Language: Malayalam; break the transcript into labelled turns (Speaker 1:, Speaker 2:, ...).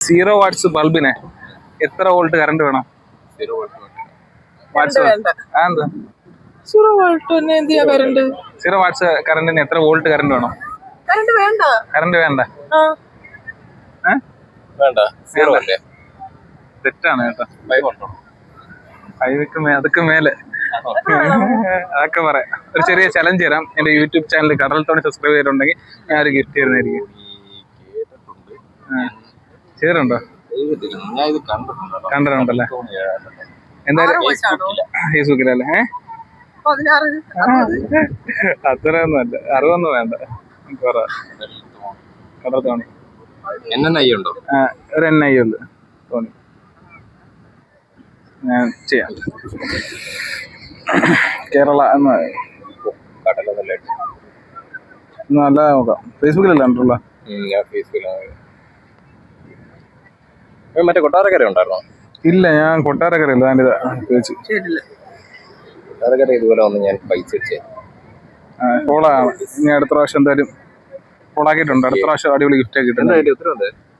Speaker 1: 0 വാട്ട്സ് ബൾബിന് എത്ര വോൾട്ട് കറണ്ട് വേണം?
Speaker 2: 0 വോൾട്ട്
Speaker 1: വാട്ട്സ്
Speaker 3: വേണ്ട.
Speaker 1: എന്താ
Speaker 3: 0 വോൾട്ടിന് എന്തിയാ കറണ്ട്?
Speaker 1: 0 വാട്ട്സ് കറണ്ടിന് എത്ര വോൾട്ട് കറണ്ട് വേണം?
Speaker 3: കറണ്ട് വേണ്ട.
Speaker 1: കറണ്ട് വേണ്ട.
Speaker 2: വേണ്ട. 0 അല്ലേ?
Speaker 1: തെറ്റാണ് കേട്ടോ.
Speaker 2: 5 ഉണ്ടോ?
Speaker 1: അതൊക്കെ മേലെ അതൊക്കെ പറയാം. ഒരു ചെറിയ ചലഞ്ച് തരാം. എന്റെ യൂട്യൂബ് ചാനൽ കടൽ തോണി സബ്സ്ക്രൈബ് ചെയ്തിട്ടുണ്ടെങ്കിൽ ഞാൻ ഒരു ഗിഫ്റ്റ് തരുന്നതായിരിക്കും. ചെയ്തിട്ടുണ്ടോ?
Speaker 2: ഞാൻ ഇത്
Speaker 1: കണ്ടിട്ടുണ്ടല്ലേ? എന്തായാലും ഫേസ്ബുക്കിലല്ലേ?
Speaker 3: 16.
Speaker 1: അത്രയൊന്നും അല്ല, 60 വേണ്ട. കടൽ തോണി
Speaker 2: ഉണ്ടോ?
Speaker 1: ഒരു NI ഉണ്ട് തോണി. ഞാൻ ചെയ്യാം. കേരള എന്ന് നല്ല നോക്കാം. ഫേസ്ബുക്കിലല്ല ഉണ്ടല്ലോ.
Speaker 2: ഞാൻ ഫേസ്ബുക്കിലാണ്. മറ്റേ കൊട്ടാരക്കര ഉണ്ടായിരുന്നോ?
Speaker 1: ഇല്ല, ഞാൻ കൊട്ടാരക്കരയില്ല. ഞാനിതാ ചോദിച്ചു.
Speaker 2: കൊട്ടാരക്കര ഇതുപോലെ വന്ന് ഞാൻ പൈസ വെച്ചേ.
Speaker 1: കോളാണ്. ഇനി അടുത്ത പ്രാവശ്യം എന്തായാലും കോളാക്കിയിട്ടുണ്ട്. അടുത്ത പ്രാവശ്യം അടിപൊളി ഗിഫ്റ്റ് ആക്കിയിട്ടുണ്ട്.
Speaker 2: ഉത്തരവുണ്ട്.